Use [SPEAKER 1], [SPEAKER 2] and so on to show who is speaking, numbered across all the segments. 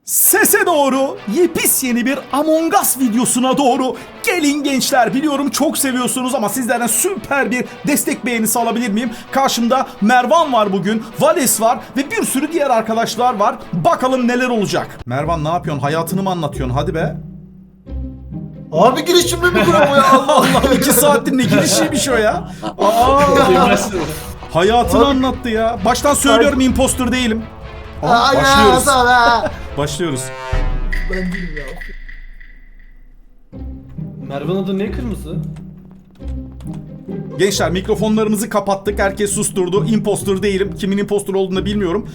[SPEAKER 1] Sese doğru, yepyeni bir Among Us videosuna doğru gelin gençler. Biliyorum çok seviyorsunuz ama sizlerden süper bir destek beğenisi alabilir miyim? Karşımda Mervan var bugün, Vales var ve bir sürü diğer arkadaşlar var. Bakalım neler olacak. Mervan ne yapıyorsun? Hayatını mı anlatıyorsun? Hadi be.
[SPEAKER 2] Abi giriş cümle mi kuruyor bu ya? Allah
[SPEAKER 1] Allah 2 saattir ne girişiymiş o ya. Hayatını anlattı ya. Baştan söylüyorum imposter değilim. Aa, başlıyoruz. Başlıyoruz.
[SPEAKER 2] Ben değilim ya.
[SPEAKER 3] Mervan adı ne kırmızı?
[SPEAKER 1] Gençler mikrofonlarımızı kapattık. Herkes susturdu. Imposter değilim. Kimin imposter olduğunu da bilmiyorum.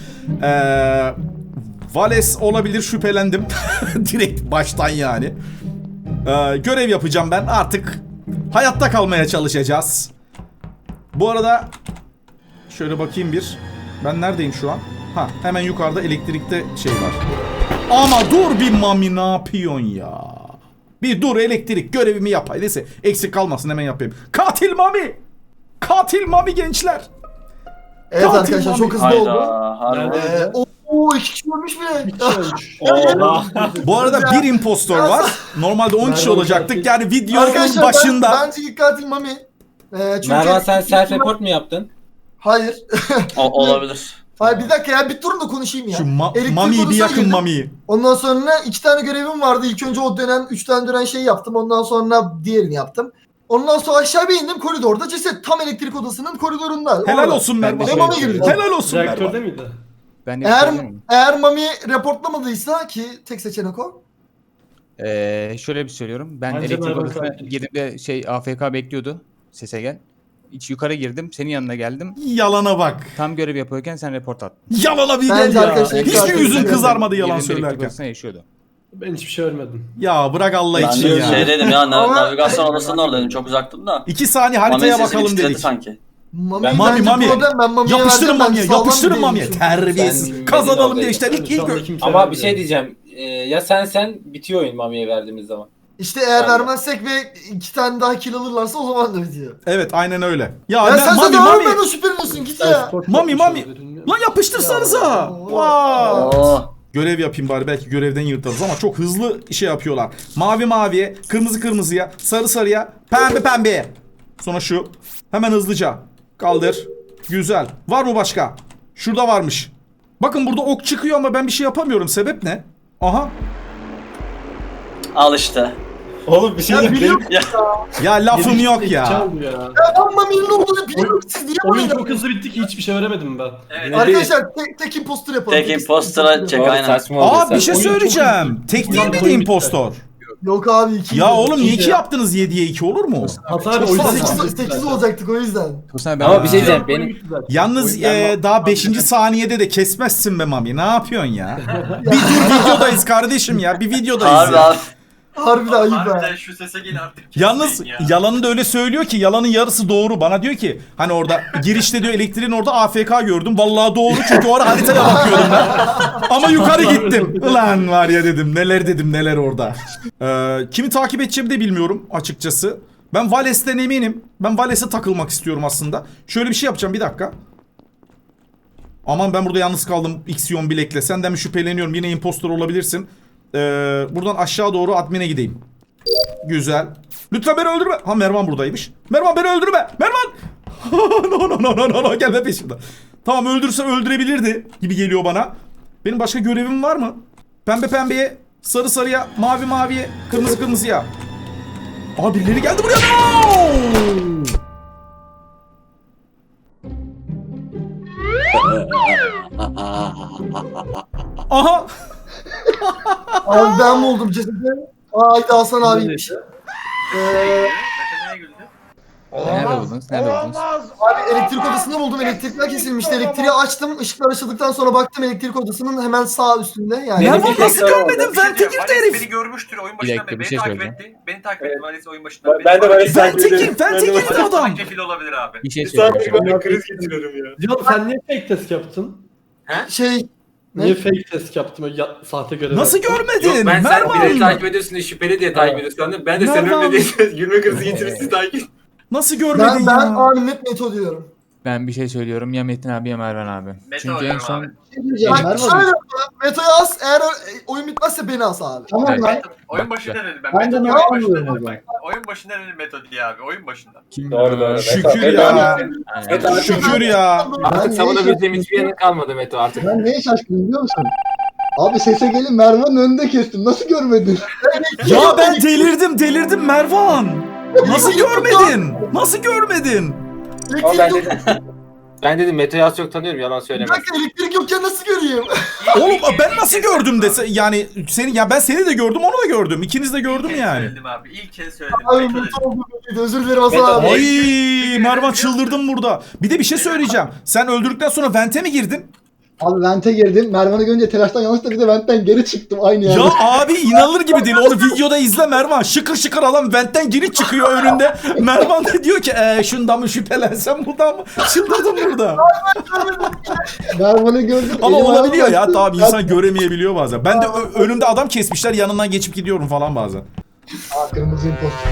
[SPEAKER 1] Vales olabilir, şüphelendim. Direkt baştan yani. Görev yapacağım ben. Artık hayatta kalmaya çalışacağız. Bu arada şöyle bakayım bir. Ben neredeyim şu an? Ha, hemen yukarıda elektrikte şey var. Ama dur bir Mami, ne yapıyorsun ya? Bir dur, elektrik görevimi yapay. Neyse eksik kalmasın, hemen yapayım. Katil Mami! Katil Mami gençler!
[SPEAKER 2] Evet
[SPEAKER 1] Katil
[SPEAKER 2] arkadaşlar
[SPEAKER 1] Mami.
[SPEAKER 2] çok hızlı
[SPEAKER 4] Hayda,
[SPEAKER 2] oldu.
[SPEAKER 4] harbi.
[SPEAKER 2] Oo 2 kişi ölmüş bile.
[SPEAKER 1] Bu arada bir impostor var. Normalde 10 kişi
[SPEAKER 3] Mervan
[SPEAKER 1] olacaktık.
[SPEAKER 3] katil.
[SPEAKER 1] Yani videonun
[SPEAKER 2] Arkadaşlar
[SPEAKER 1] başında.
[SPEAKER 2] bence ilk katil Mami. Çünkü
[SPEAKER 5] Mervan sen self report mu yaptın?
[SPEAKER 2] Hayır.
[SPEAKER 4] Olabilir.
[SPEAKER 2] Hayır bir dakika ya, bir durun da konuşayım ya.
[SPEAKER 1] Şu
[SPEAKER 2] Elektrik
[SPEAKER 1] Mami'yi bir
[SPEAKER 2] odasına
[SPEAKER 1] yakın
[SPEAKER 2] girdim.
[SPEAKER 1] Mami'yi.
[SPEAKER 2] Ondan sonra 2 tane görevim vardı. İlk önce o dönen 3 tane dönen şeyi yaptım. Ondan sonra diğerini yaptım. Ondan sonra aşağı bir indim, koridorda ceset tam elektrik odasının koridorunda.
[SPEAKER 1] Helal
[SPEAKER 2] Orada.
[SPEAKER 1] olsun Mervan.
[SPEAKER 2] Ve Mami girdi.
[SPEAKER 1] Helal olsun
[SPEAKER 3] Reaktörde
[SPEAKER 1] Mervan.
[SPEAKER 3] miydi?
[SPEAKER 5] Ben de
[SPEAKER 2] Eğer Mami reportlamadıysa ki tek seçenek o.
[SPEAKER 5] şöyle bir söylüyorum. Ben
[SPEAKER 3] Bence
[SPEAKER 5] elektrik
[SPEAKER 3] Mervan
[SPEAKER 5] odasına
[SPEAKER 3] katil.
[SPEAKER 5] girdim de AFK bekliyordu. Sese gel. Hiç yukarı girdim. Senin yanına geldim.
[SPEAKER 1] Yalana bak.
[SPEAKER 5] Tam görev yapıyorken sen report attın.
[SPEAKER 1] Yalana bir
[SPEAKER 2] Bence
[SPEAKER 1] gel ya.
[SPEAKER 2] arkadaşlar
[SPEAKER 1] Hiç
[SPEAKER 2] katil
[SPEAKER 1] mi yüzün
[SPEAKER 2] yani.
[SPEAKER 1] kızarmadı yalan
[SPEAKER 5] Girdim, elektrik
[SPEAKER 1] söylerken?
[SPEAKER 5] odasına yaşıyordu.
[SPEAKER 3] Ben hiçbir şey ölmedim.
[SPEAKER 1] Ya bırak Allah
[SPEAKER 4] Ben
[SPEAKER 1] için
[SPEAKER 4] de
[SPEAKER 1] ya.
[SPEAKER 4] şey dedim ya,
[SPEAKER 2] Ama-
[SPEAKER 4] navigasyon odasının oradaydım, çok uzaktım da.
[SPEAKER 1] 2 saniye
[SPEAKER 4] Mami
[SPEAKER 1] haritaya
[SPEAKER 4] sesini
[SPEAKER 1] bakalım
[SPEAKER 4] titredi
[SPEAKER 1] dedik.
[SPEAKER 4] sanki.
[SPEAKER 2] Mami,
[SPEAKER 1] Mami,
[SPEAKER 2] bence
[SPEAKER 1] Mami.
[SPEAKER 2] problem, ben Mami'ye
[SPEAKER 1] Yapıştırın
[SPEAKER 2] verdim,
[SPEAKER 1] Mami'ye,
[SPEAKER 2] bence sağlam
[SPEAKER 1] yapıştırın
[SPEAKER 2] bir
[SPEAKER 1] Mami'ye.
[SPEAKER 2] değilmişim.
[SPEAKER 1] Terbiyesiz.
[SPEAKER 6] Ben-
[SPEAKER 1] Kazanalım
[SPEAKER 6] benim
[SPEAKER 1] diye işte
[SPEAKER 3] Şu
[SPEAKER 1] ilk
[SPEAKER 3] anda
[SPEAKER 1] ilk.
[SPEAKER 3] kimse
[SPEAKER 6] Ama bir
[SPEAKER 3] vermiyor.
[SPEAKER 6] şey diyeceğim. Ya sen bitiyor oyun Mami'ye verdiğimiz zaman.
[SPEAKER 2] İşte eğer
[SPEAKER 6] Ben de.
[SPEAKER 2] vermezsek ve 2 tane daha kill alırlarsa o zaman da bitiyor.
[SPEAKER 1] Evet aynen öyle. Ya,
[SPEAKER 2] Ya
[SPEAKER 1] ben,
[SPEAKER 2] sen
[SPEAKER 1] Mami
[SPEAKER 2] zaten
[SPEAKER 1] Mami.
[SPEAKER 2] ölmeden şüpheleniyorsun, git ya.
[SPEAKER 3] Self-report
[SPEAKER 1] Mami,
[SPEAKER 3] yapmış
[SPEAKER 1] Mami.
[SPEAKER 3] olabilirim.
[SPEAKER 1] Lan yapıştırsanıza.
[SPEAKER 2] Ya.
[SPEAKER 1] Wow.
[SPEAKER 4] Oo.
[SPEAKER 1] Görev yapayım bari, belki görevden yırtarız ama çok hızlı şey yapıyorlar. Mavi maviye, kırmızı kırmızıya, sarı sarıya, pembe pembeye. Sonra şu. Hemen hızlıca. Kaldır. Güzel. Var mı başka? Şurada varmış. Bakın burada ok çıkıyor ama ben bir şey yapamıyorum. Sebep ne? Aha.
[SPEAKER 4] Al işte.
[SPEAKER 6] Oğlum bir şey
[SPEAKER 2] Ya
[SPEAKER 6] yok.
[SPEAKER 2] biliyorum.
[SPEAKER 1] Ya lafım yok ya.
[SPEAKER 3] Çaldı ya.
[SPEAKER 2] Ya ben Mami'nin olduğunu biliyorum, siz niye
[SPEAKER 3] Oyun
[SPEAKER 2] böyle
[SPEAKER 3] çok hızlı bitti ki hiçbir şey veremedim ben.
[SPEAKER 2] Arkadaşlar tek imposter yapalım.
[SPEAKER 4] Tek imposter'a çek
[SPEAKER 6] Abi
[SPEAKER 4] aynen.
[SPEAKER 6] saçma oldu.
[SPEAKER 1] Aa bir şey
[SPEAKER 3] Oyun çok
[SPEAKER 1] söyleyeceğim.
[SPEAKER 3] hızlı.
[SPEAKER 1] Tek değil
[SPEAKER 3] Oyun
[SPEAKER 1] miydi
[SPEAKER 3] bitti.
[SPEAKER 1] impostor?
[SPEAKER 2] Yok abi 2.
[SPEAKER 1] Ya oğlum niye
[SPEAKER 3] İki
[SPEAKER 1] 2
[SPEAKER 3] ya.
[SPEAKER 1] yaptınız, 7'ye 2 olur mu?
[SPEAKER 3] Hatta o yüzden
[SPEAKER 2] 8 olacaktık o yüzden.
[SPEAKER 5] Tosun ben
[SPEAKER 6] Ama bir şey diyeceğim. Benim
[SPEAKER 1] Yalnız
[SPEAKER 6] Oyun-
[SPEAKER 1] daha 5. saniyede de kesmezsin be Mami. Ne yapıyorsun ya? Bir dur, videodayız kardeşim ya. Bir videodayız
[SPEAKER 4] Harbi
[SPEAKER 1] ya.
[SPEAKER 4] abi.
[SPEAKER 2] Harbi de ayıp be.
[SPEAKER 7] Harbiden şu sese gel artık.
[SPEAKER 1] Yalnız
[SPEAKER 7] kesmeyin ya.
[SPEAKER 1] yalanı da öyle söylüyor ki yalanın yarısı doğru. Bana diyor ki hani orada girişte diyor elektriğin orada AFK gördüm. Vallahi doğru çünkü o ara haritaya bakıyordum ben. Ama yukarı gittim. Ulan var ya dedim, neler dedim neler orada. Kimi takip edeceğimi de bilmiyorum açıkçası. Ben Vales'ten eminim. Ben Vales'e takılmak istiyorum aslında. Şöyle bir şey yapacağım, bir dakika. Aman ben burada yalnız kaldım Ixion Bilek'le. Senden mi şüpheleniyorum, yine impostor olabilirsin. Buradan aşağı doğru admin'e gideyim. Güzel. Lütfen beni öldürme. Ha Mervan buradaymış. Mervan beni öldürme. Mervan. No no no no no no, gelme peşimden. Tamam, öldürse öldürebilirdi gibi geliyor bana. Benim başka görevim var mı? Pembe pembeye, sarı sarıya, mavi maviye, kırmızı kırmızıya. Aa birileri geldi buraya. No! Aha.
[SPEAKER 2] Abi ben mi oldum cesedi? Haydi Hasan abiymiş.
[SPEAKER 7] Mete neye güldü?
[SPEAKER 5] nerede buldunuz? Nerede buldunuz?
[SPEAKER 2] Abi elektrik odasında buldum. Elektrikler kesilmişti. Elektriği açtım. Işıklar açıldıktan sonra baktım elektrik odasının hemen sağ üstünde. Yani
[SPEAKER 5] Benim
[SPEAKER 1] Mervan
[SPEAKER 5] bir
[SPEAKER 1] nasıl
[SPEAKER 5] tekrar
[SPEAKER 1] görmedin?
[SPEAKER 7] Bir şey
[SPEAKER 1] Vente
[SPEAKER 7] diyeceğim,
[SPEAKER 1] girdi
[SPEAKER 7] Vales
[SPEAKER 1] herif.
[SPEAKER 7] beni görmüştür oyun
[SPEAKER 5] Bir
[SPEAKER 7] başından
[SPEAKER 5] dakika,
[SPEAKER 7] beri.
[SPEAKER 5] bir
[SPEAKER 7] Beni
[SPEAKER 5] şey
[SPEAKER 7] takip
[SPEAKER 5] söyleyeceğim.
[SPEAKER 7] etti. Beni takip etti Vales oyun başından beri.
[SPEAKER 6] Ben de Vales takip
[SPEAKER 1] Vente
[SPEAKER 6] ediyorum.
[SPEAKER 1] girdi adam.
[SPEAKER 7] Vales kefil olabilir abi.
[SPEAKER 5] Bir şey
[SPEAKER 6] Bir saniye
[SPEAKER 5] söyleyeceğim.
[SPEAKER 6] ben de kriz geçiriyorum ya.
[SPEAKER 3] Diyor sen niye fake test yaptın?
[SPEAKER 2] şey ne?
[SPEAKER 3] Niye fake test yaptın? Sahte görev
[SPEAKER 1] Nasıl
[SPEAKER 3] yaptın?
[SPEAKER 1] görmedin?
[SPEAKER 6] Yok ben sen
[SPEAKER 1] Mervan.
[SPEAKER 6] biri takip ediyorsun diye şüpheli diye takip ediyorsun sandım. Ben de sen
[SPEAKER 1] Mervan.
[SPEAKER 6] ölme diye gülme krizi geçirip sizi takip.
[SPEAKER 1] Nasıl görmedin
[SPEAKER 2] Ben
[SPEAKER 1] ya?
[SPEAKER 2] abi net Meto diyorum.
[SPEAKER 5] Ben bir şey söylüyorum. Ya Metin abi ya Mervan abi.
[SPEAKER 7] Meto
[SPEAKER 5] Çünkü en
[SPEAKER 7] oynuyorum
[SPEAKER 5] son
[SPEAKER 7] abi.
[SPEAKER 2] Bak
[SPEAKER 8] Mervan.
[SPEAKER 2] şöyle yapma. Meto'yu as. Eğer oyun bitmezse beni as abi.
[SPEAKER 8] Tamam
[SPEAKER 5] Evet.
[SPEAKER 8] lan.
[SPEAKER 7] Oyun başında dedim ben.
[SPEAKER 8] Ben de
[SPEAKER 7] Meto
[SPEAKER 8] Mervan
[SPEAKER 7] oyun
[SPEAKER 8] diyorum
[SPEAKER 7] başında
[SPEAKER 8] o
[SPEAKER 7] dedim
[SPEAKER 8] zaman.
[SPEAKER 7] bak. Oyun başında dedim Meto diye abi. Oyun başında.
[SPEAKER 5] kim?
[SPEAKER 6] Doğru doğru.
[SPEAKER 1] Şükür
[SPEAKER 6] Meto
[SPEAKER 1] ya.
[SPEAKER 6] Meto
[SPEAKER 1] Şükür ya.
[SPEAKER 6] artık
[SPEAKER 8] Ben
[SPEAKER 6] savunabileceğim
[SPEAKER 8] neye
[SPEAKER 6] hiçbir yerin kalmadı Meto artık.
[SPEAKER 8] Ben neye şaşkınım biliyor musun? Abi sese gelin Mervan'ın önünde kestim. Nasıl görmedin?
[SPEAKER 1] Ya ben delirdim Mervan. Nasıl görmedin? Nasıl görmedin?
[SPEAKER 6] Ama ben
[SPEAKER 2] Elektrik yok.
[SPEAKER 6] dedim. Ben dedim Meto'yu az çok tanıyorum yalan
[SPEAKER 2] Bir
[SPEAKER 6] söylemez.
[SPEAKER 2] dakika elektrik yokken nasıl göreyim?
[SPEAKER 1] Oğlum ben nasıl gördüm dese yani seni ya ben seni de gördüm onu da gördüm. İkiniz de gördüm
[SPEAKER 7] İlk kez
[SPEAKER 1] yani.
[SPEAKER 7] söyledim abi. İlk kez söyledim.
[SPEAKER 2] Abi
[SPEAKER 7] Meto dedim.
[SPEAKER 2] Meto oldu belliydi. Özür dilerim Hasan
[SPEAKER 6] Meto,
[SPEAKER 2] abi.
[SPEAKER 1] Ay Mervan çıldırdım burada. Bir de bir şey söyleyeceğim. Sen öldürdükten sonra vente mi girdin?
[SPEAKER 8] Abi vente girdim. Mervan'ı görünce telaştan yanlışlıkla bir de ventten geri çıktım aynı yerde.
[SPEAKER 1] Ya abi inanılır gibi değil. Onu videoda izle Mervan. Şıkır şıkır adam ventten geri çıkıyor önünde. Mervan da diyor ki şundan mı şüphelensem buradan mı? Çıldırdım burada.
[SPEAKER 8] Mervan'ı gördüm.
[SPEAKER 1] Ama
[SPEAKER 8] elim ayağım
[SPEAKER 1] olabiliyor ya
[SPEAKER 8] bastı.
[SPEAKER 1] tabii insan göremeyebiliyor bazen. Ben de önümde adam kesmişler yanından geçip gidiyorum falan bazen.
[SPEAKER 8] Aa, kırmızı imposter.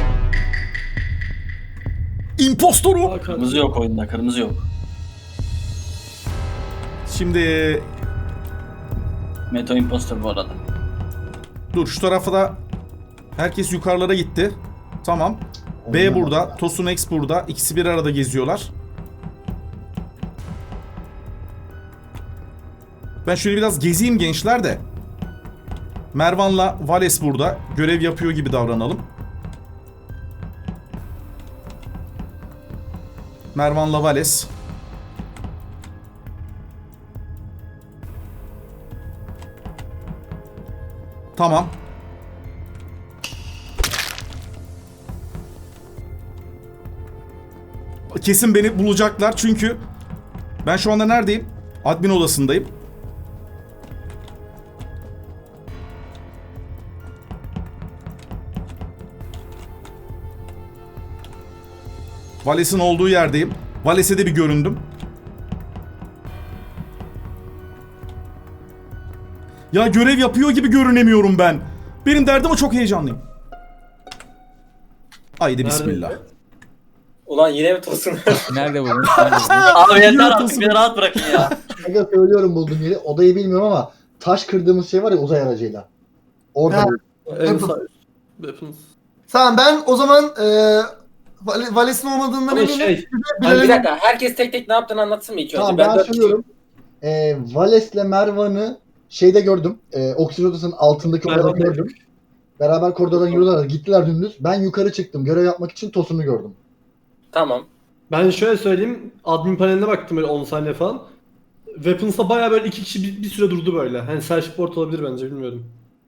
[SPEAKER 1] İmpostoru.
[SPEAKER 4] Kırmızı yok oyunda, kırmızı yok.
[SPEAKER 1] Şimdi
[SPEAKER 4] Meto imposter bu arada.
[SPEAKER 1] dur şu tarafa da herkes yukarılara gitti. Tamam. B burada, Tosun X burada. İkisi bir arada geziyorlar. Ben şöyle biraz gezeyim gençler de. Mervan'la Vales burada. Görev yapıyor gibi davranalım. Mervan'la Vales. Tamam. Kesin beni bulacaklar çünkü ben şu anda neredeyim? Admin odasındayım. Vales'in olduğu yerdeyim. Vales'e de bir göründüm. Ya görev yapıyor gibi görünemiyorum ben. Benim derdim o, çok heyecanlıyım. Haydi bismillah.
[SPEAKER 6] Ulan yine mi tosun?
[SPEAKER 5] Nerede buldun? Nerede buldun?
[SPEAKER 4] Abi yeter artık beni rahat bırakın ya.
[SPEAKER 8] Aga söylüyorum bulduğum yeri. Odayı bilmiyorum ama taş kırdığımız şey var ya uzay aracıyla. Orada
[SPEAKER 2] Ha.
[SPEAKER 8] buldum.
[SPEAKER 3] En sağ üst. Weapons.
[SPEAKER 2] Tamam ben o zaman Vales'in olmadığından
[SPEAKER 3] Ama
[SPEAKER 2] eminim.
[SPEAKER 3] şey.
[SPEAKER 6] Hani bir dakika herkes tek tek ne yaptığını anlatsın mı ilk önce?
[SPEAKER 8] Tamam ben
[SPEAKER 6] dört
[SPEAKER 8] söylüyorum. Vales'le Mervan'ı şeyde gördüm. Oksijen odasının altındaki odada
[SPEAKER 3] Mervan
[SPEAKER 8] gördüm. Beraber koridordan yürüyorlar. Gittiler dümdüz. Ben yukarı çıktım. Görev yapmak için Tosun'u gördüm.
[SPEAKER 6] Tamam.
[SPEAKER 3] Ben şöyle söyleyeyim. Admin paneline baktım böyle 10 saniye falan. Weapons'ta bayağı böyle iki kişi bir süre durdu böyle. Hani self-report olabilir bence bilmiyorum.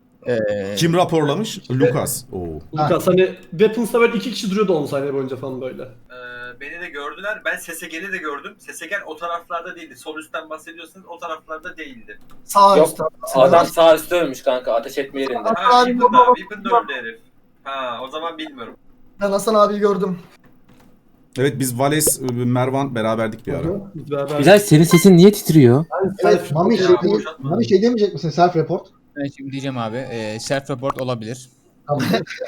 [SPEAKER 1] Kim raporlamış? Lucas. Oo.
[SPEAKER 3] Lucas hani Weapons'ta böyle iki kişi duruyordu 10 saniye boyunca falan böyle.
[SPEAKER 7] Beni de gördüler. Ben Sesegen'i de gördüm. Sesegen o taraflarda değildi. Sol üstten bahsediyorsanız o taraflarda değildi.
[SPEAKER 2] Sağ
[SPEAKER 6] Yok,
[SPEAKER 2] üstte.
[SPEAKER 6] Adam sağ üstte ölmüş kanka ateş etme yerinde.
[SPEAKER 7] Ha,
[SPEAKER 2] Abi,
[SPEAKER 7] Weapon'da.
[SPEAKER 2] baba.
[SPEAKER 7] Weapon'da öldü herif. Ha, o zaman bilmiyorum.
[SPEAKER 2] Ben Hasan abiyi gördüm.
[SPEAKER 1] Evet biz Vales, Mervan beraberdik bir ara.
[SPEAKER 3] Biz beraber.
[SPEAKER 9] Güzel, senin sesin niye titriyor?
[SPEAKER 8] Evet Mami şey,
[SPEAKER 7] Ya,
[SPEAKER 8] değil,
[SPEAKER 7] boşaltma.
[SPEAKER 8] Mami şey demeyecek misin? Self report.
[SPEAKER 5] Ben şimdi diyeceğim abi. Self-report olabilir.
[SPEAKER 8] Tamam.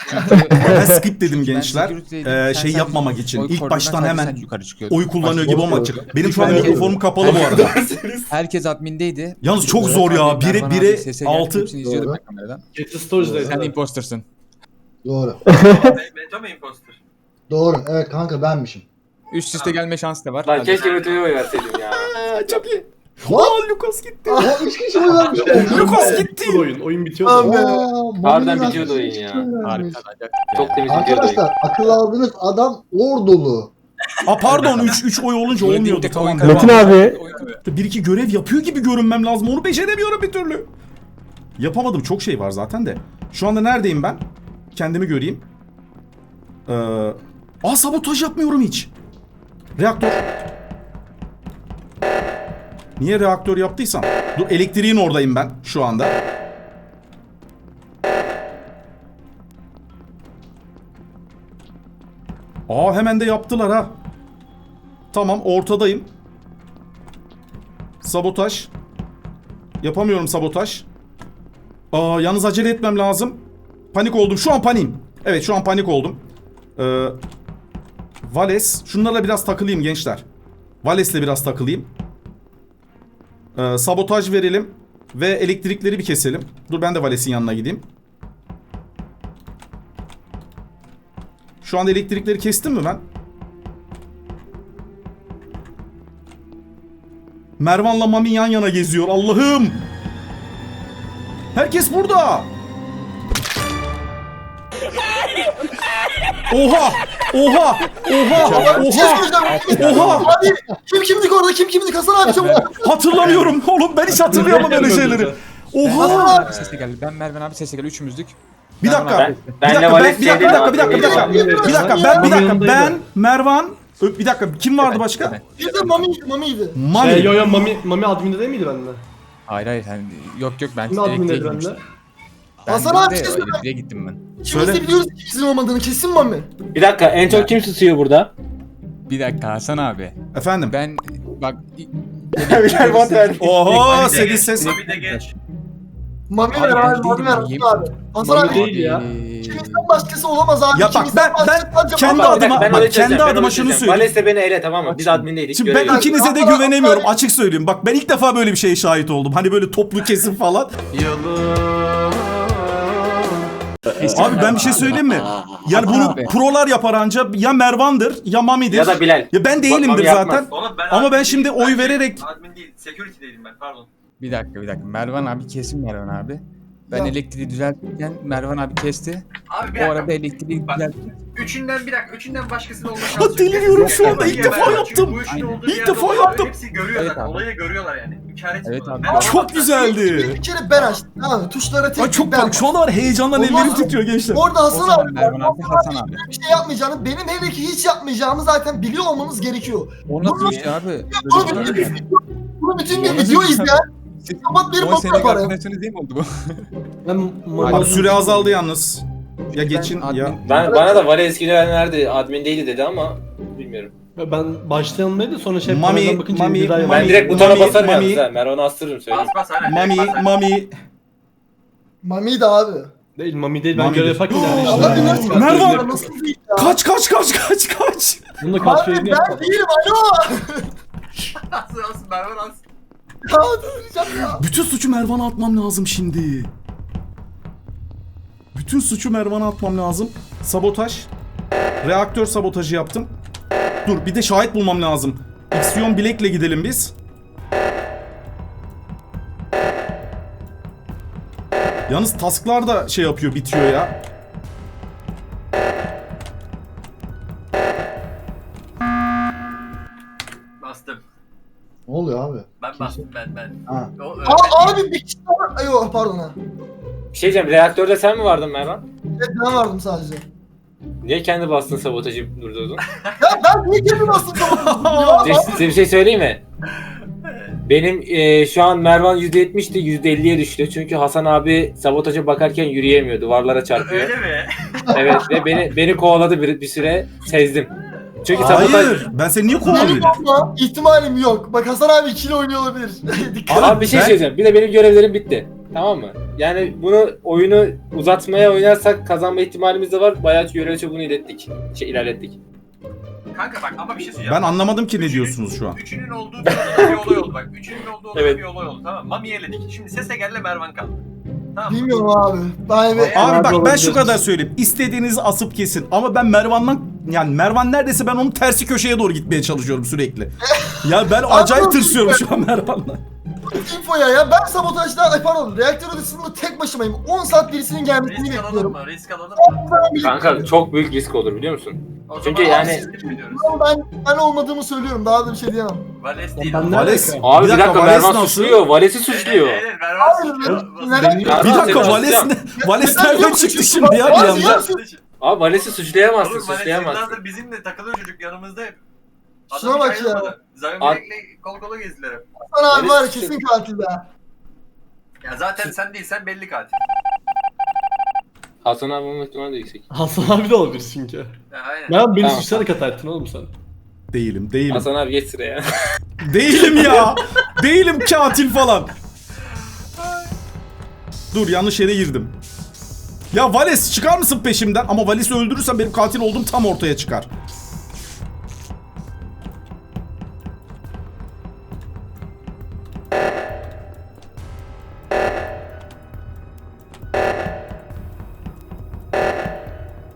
[SPEAKER 1] Ben skip dedim
[SPEAKER 5] Ben
[SPEAKER 1] gençler.
[SPEAKER 5] security'deydim. Sen
[SPEAKER 1] Şey
[SPEAKER 5] sadece
[SPEAKER 1] yapmamak için.
[SPEAKER 5] oy
[SPEAKER 1] İlk
[SPEAKER 5] koridordan
[SPEAKER 1] baştan
[SPEAKER 5] sadece
[SPEAKER 1] hemen
[SPEAKER 5] sen yukarı çıkıyordun.
[SPEAKER 1] oy kullanıyor
[SPEAKER 8] Başka
[SPEAKER 1] gibi olmak
[SPEAKER 8] boş
[SPEAKER 1] için.
[SPEAKER 8] ver.
[SPEAKER 1] Benim şu an
[SPEAKER 5] Herkes-
[SPEAKER 1] mikrofonum kapalı bu arada.
[SPEAKER 5] Herkes admindeydi.
[SPEAKER 1] Yalnız çok zor ya.
[SPEAKER 5] Mervan abi,
[SPEAKER 1] Bire
[SPEAKER 5] sese geldi,
[SPEAKER 1] 6.
[SPEAKER 5] hepsini izliyordum
[SPEAKER 8] Doğru.
[SPEAKER 5] ben kameradan.
[SPEAKER 3] Geçti storage'daydı.
[SPEAKER 5] Sen impostersın.
[SPEAKER 8] Doğru.
[SPEAKER 7] Meto mu imposter?
[SPEAKER 8] Doğru. Evet kanka benmişim.
[SPEAKER 5] Üst üste gelme şansı da var.
[SPEAKER 6] Lan
[SPEAKER 5] Hadi.
[SPEAKER 6] keşke Meto'yu oy verseydim ya.
[SPEAKER 1] Çok iyi.
[SPEAKER 8] What?
[SPEAKER 1] Aa Lucas gitti.
[SPEAKER 8] Aa 3 kişi mi vermiş?
[SPEAKER 1] Lucas gitti.
[SPEAKER 3] Oyun bitiyordu.
[SPEAKER 2] Abi.
[SPEAKER 6] Harbiden bitiyordu oyun ya.
[SPEAKER 5] Harika. acayip.
[SPEAKER 6] Çok temiz bitiyordu oyun.
[SPEAKER 8] Arkadaşlar akıl aldığınız adam ordulu.
[SPEAKER 1] Aa pardon 3 oy olunca
[SPEAKER 5] Böyle
[SPEAKER 1] olmuyordu
[SPEAKER 5] dik dik
[SPEAKER 1] tamam.
[SPEAKER 5] oyun
[SPEAKER 1] devam.
[SPEAKER 5] kazandı.
[SPEAKER 1] Bir iki görev yapıyor gibi görünmem lazım. Onu beceremiyorum bir türlü. Yapamadım. Çok şey var zaten de. Şu anda neredeyim ben? Kendimi göreyim. Sabotaj yapmıyorum hiç. Reaktör. Niye reaktör yaptıysam? Dur elektriğin oradayım ben şu anda. Hemen de yaptılar ha. Tamam ortadayım. Sabotaj. Yapamıyorum sabotaj. Yalnız acele etmem lazım. Panik oldum. Şu an paniğim. Evet şu an panik oldum. Vales. Şunlarla biraz takılayım gençler. Vales'le biraz takılayım. Sabotaj verelim. Ve elektrikleri bir keselim. Dur ben de Vales'in yanına gideyim. Şu anda elektrikleri kestim mi ben? Mervan'la Mami yan yana geziyor. Allah'ım! Herkes burada! Oha! Oha! Oha!
[SPEAKER 2] Bir şey söyleyeceğim.
[SPEAKER 1] Oha!
[SPEAKER 2] Abi kim kimdik orada? Kim kimdik? Hasan abi çabuk.
[SPEAKER 1] Hatırlamıyorum oğlum, ben hiç hatırlayamam böyle şeyleri. Oha!
[SPEAKER 5] Mervan abi sese geldi. Ben Mervan abi sese geldi. Üçümüzdük.
[SPEAKER 1] Bir dakika.
[SPEAKER 6] Ben-
[SPEAKER 1] Bir
[SPEAKER 6] benle
[SPEAKER 1] dakika,
[SPEAKER 6] Vales
[SPEAKER 1] bir dakika, bir dakika, bir dakika, bir dakika.
[SPEAKER 3] Mami
[SPEAKER 1] Bir dakika, ben Mervan. Bir dakika, kim vardı başka?
[SPEAKER 5] Evet.
[SPEAKER 2] Bir de Mami'ydi.
[SPEAKER 1] Mami.
[SPEAKER 3] Yo Mami adminde değil miydi bende?
[SPEAKER 5] Hayır yani yok ben
[SPEAKER 3] Kim adminde
[SPEAKER 5] elektriğe
[SPEAKER 3] bende?
[SPEAKER 5] gitmiştim.
[SPEAKER 2] Hasan
[SPEAKER 5] Ben
[SPEAKER 2] abi,
[SPEAKER 5] de
[SPEAKER 2] bir şey söyle.
[SPEAKER 5] elektriğe gittim ben.
[SPEAKER 2] İkimiz
[SPEAKER 1] Söyle.
[SPEAKER 2] de biliyoruz ki bizim olmadığını. Kesin Mami.
[SPEAKER 6] Bir dakika en çok kim tutuyor burada?
[SPEAKER 5] Bir dakika Hasan abi.
[SPEAKER 1] Efendim.
[SPEAKER 5] Ben bak
[SPEAKER 6] Bilal bot verdi.
[SPEAKER 1] Oho, senin ses.
[SPEAKER 7] Mami de geç.
[SPEAKER 2] Mami
[SPEAKER 5] Abi
[SPEAKER 2] ver
[SPEAKER 5] ben
[SPEAKER 2] abi. Mami ver
[SPEAKER 5] değilim,
[SPEAKER 2] Hasan abi. Hasan
[SPEAKER 3] Mami
[SPEAKER 2] abi.
[SPEAKER 3] değil ya.
[SPEAKER 2] İkimizden başkası olamaz abi.
[SPEAKER 1] Ya bak,
[SPEAKER 2] İkimizden
[SPEAKER 1] ben
[SPEAKER 2] başkası sadece
[SPEAKER 1] kendi
[SPEAKER 2] Mami.
[SPEAKER 1] adıma-
[SPEAKER 6] Ben
[SPEAKER 1] bak,
[SPEAKER 6] orayı
[SPEAKER 1] kendi
[SPEAKER 6] çözeceğim, ben
[SPEAKER 1] adıma
[SPEAKER 6] orayı
[SPEAKER 1] şunu
[SPEAKER 6] çözeceğim.
[SPEAKER 1] söyleyeyim.
[SPEAKER 6] Vales de beni ele, tamam mı? Biz admindeydik.
[SPEAKER 1] Şimdi ben
[SPEAKER 6] görevliyiz.
[SPEAKER 1] ikinize de güvenemiyorum. Açık söyleyeyim. Bak ben ilk defa böyle bir şeye şahit oldum. Hani böyle toplu kesim falan. Abi ben bir şey söyleyeyim mi? Yani bunu
[SPEAKER 5] Abi.
[SPEAKER 1] prolar yapar anca ya Mervan'dır ya Mami'dir.
[SPEAKER 6] Ya da Bilal.
[SPEAKER 1] Ya ben değilimdir
[SPEAKER 6] Mami yapmaz.
[SPEAKER 1] zaten.
[SPEAKER 7] Oğlum ben
[SPEAKER 1] Ama ben
[SPEAKER 7] admin
[SPEAKER 1] şimdi
[SPEAKER 7] değilim.
[SPEAKER 1] oy
[SPEAKER 7] Ben
[SPEAKER 1] vererek
[SPEAKER 7] admin değil, security'deydim ben, pardon.
[SPEAKER 5] bir dakika. Mervan abi kesin Mervan abi. Ben
[SPEAKER 2] Ya.
[SPEAKER 5] elektriği düzeltirken Mervan abi kesti.
[SPEAKER 7] Abi bir
[SPEAKER 5] O
[SPEAKER 7] dakika.
[SPEAKER 5] arada elektriği
[SPEAKER 7] Bak,
[SPEAKER 5] düzeltti.
[SPEAKER 7] Üçünden başkasının olma şansı yok.
[SPEAKER 1] deliriyorum şu anda,
[SPEAKER 7] Niye
[SPEAKER 1] ilk defa
[SPEAKER 7] ben-
[SPEAKER 1] yaptım.
[SPEAKER 7] Çünkü bu işin olduğu
[SPEAKER 1] İlk
[SPEAKER 7] yerde
[SPEAKER 1] defa
[SPEAKER 7] olanlar
[SPEAKER 1] yaptım.
[SPEAKER 7] Hepsi görüyor
[SPEAKER 5] Evet
[SPEAKER 7] zaten.
[SPEAKER 5] abi.
[SPEAKER 7] Olayı görüyorlar yani. İnkar etmiyorlar.
[SPEAKER 5] abi.
[SPEAKER 7] Ben
[SPEAKER 1] çok
[SPEAKER 7] olmasam-
[SPEAKER 1] güzeldi.
[SPEAKER 2] Bir kere ben açtım. Tamam mı? Tuşlara tek
[SPEAKER 1] Ay çok
[SPEAKER 2] ben
[SPEAKER 1] bak şu anda var heyecandan
[SPEAKER 2] Olmaz.
[SPEAKER 1] ellerim titriyor gençler.
[SPEAKER 2] Orada
[SPEAKER 5] O
[SPEAKER 2] Hasan
[SPEAKER 5] zaman
[SPEAKER 2] abi.
[SPEAKER 5] Mervan abi, Hasan abi.
[SPEAKER 2] Bir şey yapmayacağını, benim hele ki hiç yapmayacağımı zaten biliyor olmanız gerekiyor.
[SPEAKER 5] O nasıl iş abi?
[SPEAKER 2] Bunu
[SPEAKER 5] Böyle
[SPEAKER 2] bütün
[SPEAKER 5] bir
[SPEAKER 2] bir
[SPEAKER 5] şey mi?
[SPEAKER 2] bunu bütün bir
[SPEAKER 5] Onu
[SPEAKER 2] video
[SPEAKER 5] nasıl-
[SPEAKER 2] izleyen kapat bir
[SPEAKER 5] O
[SPEAKER 2] bok
[SPEAKER 5] senin
[SPEAKER 2] yapar ya.
[SPEAKER 5] arkadaşınız değil mi oldu bu?
[SPEAKER 3] Ben
[SPEAKER 1] Abi süre azaldı yalnız. Ya geçin
[SPEAKER 5] admin-
[SPEAKER 1] ya.
[SPEAKER 6] Bana da Vales güvenlerdi, admindeydi dedi ama bilmiyorum.
[SPEAKER 3] Ben başta yanındaydı sonra şey
[SPEAKER 1] Mami-
[SPEAKER 3] panelden bakınca
[SPEAKER 1] Mami-
[SPEAKER 3] Dilay
[SPEAKER 1] Mami-
[SPEAKER 6] Ben
[SPEAKER 3] yanındaydı.
[SPEAKER 6] direkt butona
[SPEAKER 1] Mami-
[SPEAKER 6] basarım
[SPEAKER 1] Mami-
[SPEAKER 6] yalnız ha. Mervan'ı astırırım söyleyeyim.
[SPEAKER 7] Bas bas aynen. bas.
[SPEAKER 1] Mami.
[SPEAKER 2] Mami'ydi abi.
[SPEAKER 3] Değil Mami değil ben
[SPEAKER 1] Mami
[SPEAKER 3] görev
[SPEAKER 1] değil.
[SPEAKER 3] yaparken yani
[SPEAKER 2] Allah
[SPEAKER 3] işte.
[SPEAKER 2] bilir.
[SPEAKER 1] Mervan!
[SPEAKER 2] Nasıl değil ya?
[SPEAKER 1] Kaç.
[SPEAKER 3] Bunu da kaç
[SPEAKER 2] Abi
[SPEAKER 3] yayını
[SPEAKER 2] ben
[SPEAKER 3] yapmadım.
[SPEAKER 2] değilim alo.
[SPEAKER 7] Asın Mervan as.
[SPEAKER 2] Ya döneceğim ya.
[SPEAKER 1] Bütün suçu Mervan'a atmam lazım şimdi. Bütün suçu Mervan'a atmam lazım. Sabotaj. Reaktör sabotajı yaptım. Dur bir de şahit bulmam lazım. Ixion Black'le gidelim biz. Yalnız tasklar da şey yapıyor, bitiyor ya.
[SPEAKER 7] Bastım.
[SPEAKER 8] Ne oluyor abi?
[SPEAKER 7] Ben bastım ben.
[SPEAKER 8] Ha.
[SPEAKER 7] O,
[SPEAKER 2] Abi bir kişi daha. Ay yok pardon ha.
[SPEAKER 6] Bir şey diyeceğim, reaktörde sen mi vardın Mervan?
[SPEAKER 2] Evet ben vardım sadece.
[SPEAKER 6] Niye kendi bastın sabotajı durdurdun?
[SPEAKER 2] Ya ben niye kendim bastım tamam.
[SPEAKER 6] Size bir şey söyleyeyim mi? Benim şu an Mervan %70'ti, %50'ye düştü. Çünkü Hasan abi sabotaja bakarken yürüyemiyor, duvarlara çarpıyor.
[SPEAKER 7] Öyle mi?
[SPEAKER 6] Evet ve beni kovaladı bir süre, sezdim. Çünkü sabotaj...
[SPEAKER 1] Hayır. Ben seni niye
[SPEAKER 2] Benim
[SPEAKER 1] kovalayayım?
[SPEAKER 2] olma ihtimalim yok. Bak Hasan abi ikili oynuyor olabilir. Dikkat et.
[SPEAKER 6] Abi bir şey
[SPEAKER 1] Ben-
[SPEAKER 6] söyleyeceğim. Bir de benim görevlerim bitti. Tamam mı? Yani bunu oyunu uzatmaya oynarsak kazanma ihtimalimiz de var. Bayağı görev çubuğunu ilerlettik.
[SPEAKER 7] Kanka bak ama bir şey söyleyeceğim.
[SPEAKER 1] Ben anlamadım ki ne diyorsunuz şu an.
[SPEAKER 7] Üçünün olduğu bir odada bir olay oldu bak. Üçünün olduğu odada
[SPEAKER 6] Evet.
[SPEAKER 7] bir olay oldu tamam mı? Mami'yi eledik. Şimdi Sesegel'le Mervan kaldı. Tamam mı?
[SPEAKER 2] Bilmiyorum abi. Ben evet.
[SPEAKER 1] Abi bak ben
[SPEAKER 3] olabilir.
[SPEAKER 1] şu kadar söyleyeyim. İstediğinizi asıp kesin. Ama ben Mervan'dan yani Mervan neredeyse ben onun tersi köşeye doğru gitmeye çalışıyorum sürekli. Ya ben acayip tırsıyorum şu an Mervan'la.
[SPEAKER 2] Infoya ya ben sabotajda ay pardon reaktör odasında tek başımayım. 10 saat birisinin gelmesini
[SPEAKER 7] Risk alalım
[SPEAKER 2] bekliyorum.
[SPEAKER 7] mı? Risk alalım mı?
[SPEAKER 6] Kanka çok büyük risk olur biliyor musun?
[SPEAKER 7] O
[SPEAKER 6] Çünkü
[SPEAKER 7] zaman
[SPEAKER 6] yani-
[SPEAKER 7] risk biliyoruz.
[SPEAKER 2] Ben olmadığımı söylüyorum. Daha da bir şey diyemem.
[SPEAKER 7] Vales değil.
[SPEAKER 3] Ben
[SPEAKER 7] o.
[SPEAKER 3] ne
[SPEAKER 1] Vales.
[SPEAKER 3] alaka?
[SPEAKER 6] Abi bir dakika
[SPEAKER 1] Vales
[SPEAKER 6] Mervan
[SPEAKER 1] nasıl?
[SPEAKER 6] suçluyor. Vales'i suçluyor.
[SPEAKER 7] Evet, Mervan
[SPEAKER 2] Hayır,
[SPEAKER 7] suçluyor.
[SPEAKER 2] neden-
[SPEAKER 1] Bir
[SPEAKER 6] Mervan
[SPEAKER 1] dakika
[SPEAKER 6] seni
[SPEAKER 1] Vales
[SPEAKER 6] suçlayamaz.
[SPEAKER 1] Vales
[SPEAKER 2] Neden
[SPEAKER 1] nereden
[SPEAKER 2] yok
[SPEAKER 1] çıktı
[SPEAKER 2] suçlu?
[SPEAKER 1] şimdi ya bir
[SPEAKER 2] Vales
[SPEAKER 1] anda?
[SPEAKER 2] ya.
[SPEAKER 6] Abi Vales'i suçlayamazsın,
[SPEAKER 7] Oğlum Vales
[SPEAKER 6] suçlayamazsın.
[SPEAKER 7] yıllardır bizimle takılıyor çocuk yanımızda hep.
[SPEAKER 2] Şuna bak ya.
[SPEAKER 7] Zayn
[SPEAKER 6] Ad-
[SPEAKER 7] Black'le kol kola gezdiler hep.
[SPEAKER 2] Hasan abi var ya
[SPEAKER 6] Vales-
[SPEAKER 2] kesin katil be.
[SPEAKER 7] Ya zaten sen değilsen belli katil.
[SPEAKER 6] Hasan abi olma ihtimali de yüksek.
[SPEAKER 3] Hasan abi de olabilir çünkü.
[SPEAKER 7] Ya aynen.
[SPEAKER 3] Ben beni
[SPEAKER 6] Tamam.
[SPEAKER 3] suçlayarak hata ettin oğlum sen.
[SPEAKER 1] Değilim.
[SPEAKER 6] Hasan abi geç sıraya.
[SPEAKER 1] Değilim ya. Değilim katil falan. Dur yanlış yere girdim. Ya Vales çıkar mısın peşimden? Ama Vales'i öldürürsem benim katil olduğum tam ortaya çıkar.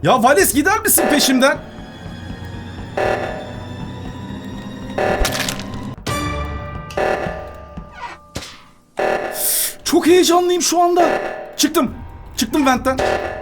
[SPEAKER 1] Ya Vales gider misin peşimden? Çok heyecanlıyım şu anda. Çıktım. Çıktım ventten.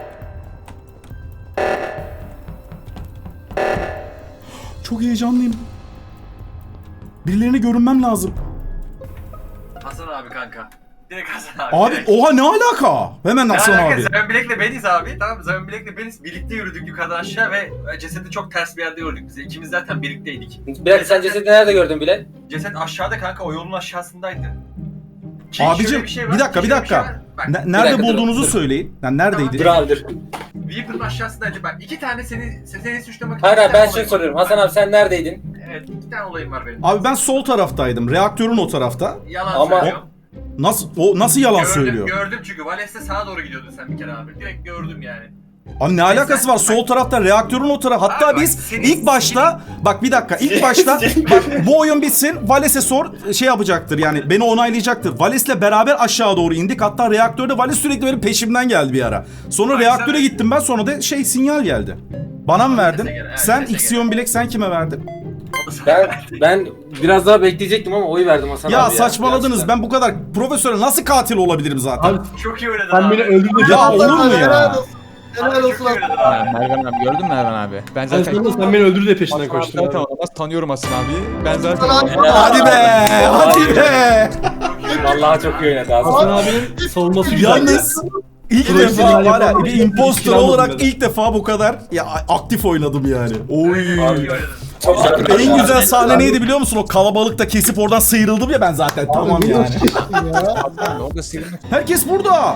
[SPEAKER 1] Çok heyecanlıyım. Birilerine görünmem lazım.
[SPEAKER 7] Hasan abi kanka. Direkt Hasan abi.
[SPEAKER 1] Abi
[SPEAKER 7] direkt.
[SPEAKER 1] oha ne alaka? Hemen
[SPEAKER 7] Ne
[SPEAKER 1] Hasan
[SPEAKER 7] alaka?
[SPEAKER 1] abi.
[SPEAKER 7] Zömen Bilek'le beniz abi. Tamam Zömen Bilek'le beniz. Birlikte yürüdük yukarıdan aşağı ve cesedi çok ters bir yerde gördük biz. İkimiz zaten birlikteydik.
[SPEAKER 6] Bilal sen cesedi nerede gördün Bilal?
[SPEAKER 7] Ceset aşağıda kanka, o yolun aşağısındaydı.
[SPEAKER 1] Abicim
[SPEAKER 7] şöyle şey var,
[SPEAKER 1] bir dakika bir
[SPEAKER 7] şöyle
[SPEAKER 1] dakika.
[SPEAKER 7] şey var. Bak,
[SPEAKER 1] Nerede
[SPEAKER 6] dakika,
[SPEAKER 1] bulduğunuzu
[SPEAKER 6] dur.
[SPEAKER 1] söyleyin. Yani neredeydi?
[SPEAKER 6] Dur abi dur.
[SPEAKER 7] Weaver'ın aşağısındaydı. Bak iki tane seni suçlamak için.
[SPEAKER 6] Hayır
[SPEAKER 7] iki
[SPEAKER 6] abi
[SPEAKER 7] tane
[SPEAKER 6] ben şunu
[SPEAKER 7] olayım
[SPEAKER 6] soruyorum.
[SPEAKER 7] var.
[SPEAKER 6] Hasan abi sen neredeydin?
[SPEAKER 7] Evet, iki tane olayım var benim.
[SPEAKER 1] Abi ben sol taraftaydım. Reaktörün o tarafta.
[SPEAKER 7] Yalan
[SPEAKER 6] Ama-
[SPEAKER 7] söylüyorum.
[SPEAKER 1] Nasıl yalan
[SPEAKER 7] Gördüm,
[SPEAKER 1] söylüyor?
[SPEAKER 7] gördüm çünkü Vales'te sağa doğru gidiyordun sen bir kere abi. Direkt gördüm yani.
[SPEAKER 1] Abi ne alakası var? Sol tarafta reaktörün o tarafı. Hatta
[SPEAKER 7] Abi bak,
[SPEAKER 1] biz
[SPEAKER 7] senin-
[SPEAKER 1] ilk başta bak bir dakika ilk başta bak bu oyun bitsin Vales'e sor şey yapacaktır yani beni onaylayacaktır. Vales'le beraber aşağı doğru indik. Hatta reaktörde Vales sürekli benim peşimden geldi bir ara. Sonra
[SPEAKER 7] Bak,
[SPEAKER 1] reaktöre
[SPEAKER 7] sen-
[SPEAKER 1] gittim ben, sonra da sinyal geldi. Bana mı verdin?
[SPEAKER 7] Vales'e gel, evet,
[SPEAKER 1] Sen
[SPEAKER 7] Vales'e
[SPEAKER 1] Ixion Bilek sen kime verdin?
[SPEAKER 7] O da sana
[SPEAKER 6] Ben biraz daha bekleyecektim ama oy verdim Hasan
[SPEAKER 1] Ya
[SPEAKER 6] abi
[SPEAKER 1] saçmaladınız.
[SPEAKER 6] gerçekten.
[SPEAKER 1] Ben bu kadar profesyonel nasıl katil olabilirim zaten?
[SPEAKER 3] Abi
[SPEAKER 7] çok iyi oynadın
[SPEAKER 3] sen
[SPEAKER 7] abi.
[SPEAKER 3] beni öldürdün.
[SPEAKER 1] Ya olur mu ya?
[SPEAKER 2] Helal olsun.
[SPEAKER 7] Abi
[SPEAKER 2] Helal
[SPEAKER 7] çok
[SPEAKER 2] olsun
[SPEAKER 7] iyi
[SPEAKER 2] abi.
[SPEAKER 7] oynadın
[SPEAKER 5] Ya,
[SPEAKER 7] abi.
[SPEAKER 5] Mervan abi gördün mü Mervan abi? Ben
[SPEAKER 3] Sen,
[SPEAKER 5] zaten
[SPEAKER 3] sen beni öldür diye peşinden
[SPEAKER 5] Hasan abi
[SPEAKER 3] koştum.
[SPEAKER 5] zaten
[SPEAKER 3] abi.
[SPEAKER 5] olamaz. Tanıyorum Hasan abi. Ben zaten
[SPEAKER 2] Hasan abi-
[SPEAKER 1] Hadi be! Hadi be!
[SPEAKER 6] Vallahi çok iyi oynadı Hasan.
[SPEAKER 3] Hasan abinin savunması güzel.
[SPEAKER 1] Yalnız ilk
[SPEAKER 3] Profesyonel
[SPEAKER 1] defa var ya
[SPEAKER 3] yapamadım.
[SPEAKER 1] bir imposter
[SPEAKER 3] İlk
[SPEAKER 1] olarak
[SPEAKER 3] almadım
[SPEAKER 1] ilk defa bu kadar ya aktif oynadım yani. Oy.
[SPEAKER 7] Çok iyi oynadın.
[SPEAKER 6] Çok
[SPEAKER 1] En güzel sahne neydi biliyor musun? O kalabalıkta kesip oradan sıyrıldım ya ben zaten. Tamam yani.
[SPEAKER 5] Hasan abi orada sıyrılmak.
[SPEAKER 1] Herkes burada.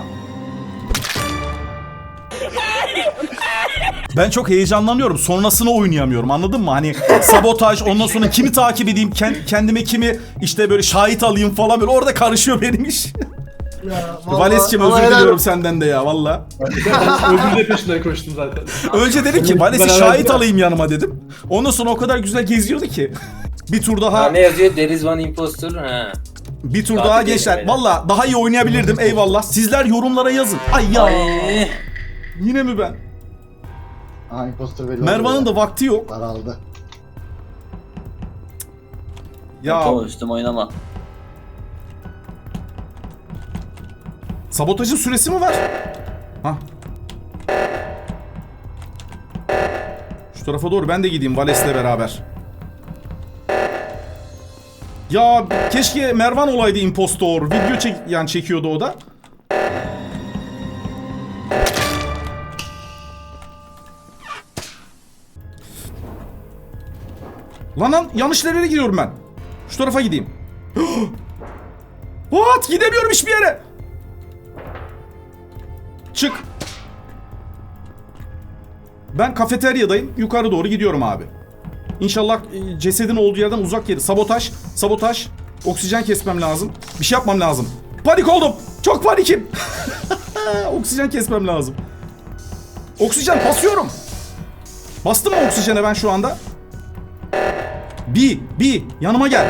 [SPEAKER 1] Ben çok heyecanlanıyorum. Sonrasını oynayamıyorum. Anladın mı? Hani sabotaj, ondan sonra kimi takip edeyim, kendime kimi işte böyle şahit alayım falan böyle orada karışıyor benim iş.
[SPEAKER 2] Ya, vallahi-
[SPEAKER 1] Vales'cim
[SPEAKER 2] ama
[SPEAKER 1] özür
[SPEAKER 2] helal
[SPEAKER 1] diliyorum
[SPEAKER 2] olsun.
[SPEAKER 1] senden de ya valla.
[SPEAKER 3] Ben öldür diye peşinden koştum zaten.
[SPEAKER 1] Önce dedim ki Vales'i
[SPEAKER 3] Beraber
[SPEAKER 1] şahit
[SPEAKER 3] gidelim.
[SPEAKER 1] alayım yanıma dedim. Ondan sonra o kadar güzel geziyordu ki. Bir tur daha,
[SPEAKER 6] Ha, ne yazıyor? There is one imposter. Ha.
[SPEAKER 1] bir tur
[SPEAKER 6] Tabii
[SPEAKER 1] daha
[SPEAKER 6] değil
[SPEAKER 1] gençler.
[SPEAKER 6] beyler.
[SPEAKER 1] Valla daha iyi oynayabilirdim eyvallah. Sizler yorumlara yazın. Ay ya.
[SPEAKER 4] Ay.
[SPEAKER 1] Yine mi ben?
[SPEAKER 8] Aha imposter belli
[SPEAKER 1] Mervan'ın da vakti yok.
[SPEAKER 8] Daraldı.
[SPEAKER 1] Ya
[SPEAKER 4] Meto üstüme oynama.
[SPEAKER 1] sabotajın süresi mi var? Hah. Şu tarafa doğru ben de gideyim Vales'le beraber. Ya keşke Mervan olaydı impostor. Video yani çekiyordu o da. Lan yanlış yerlere gidiyorum ben. Şu tarafa gideyim. What? Gidemiyorum hiçbir yere. Çık. Ben kafeteryadayım. Yukarı doğru gidiyorum abi. İnşallah cesedin olduğu yerden uzak yeri. Sabotaj. Sabotaj. Oksijen kesmem lazım. Bir şey yapmam lazım. Panik oldum. Çok panikim. Oksijen kesmem lazım. Oksijen basıyorum. Bastım mı oksijene ben şu anda? Bir. Yanıma gel.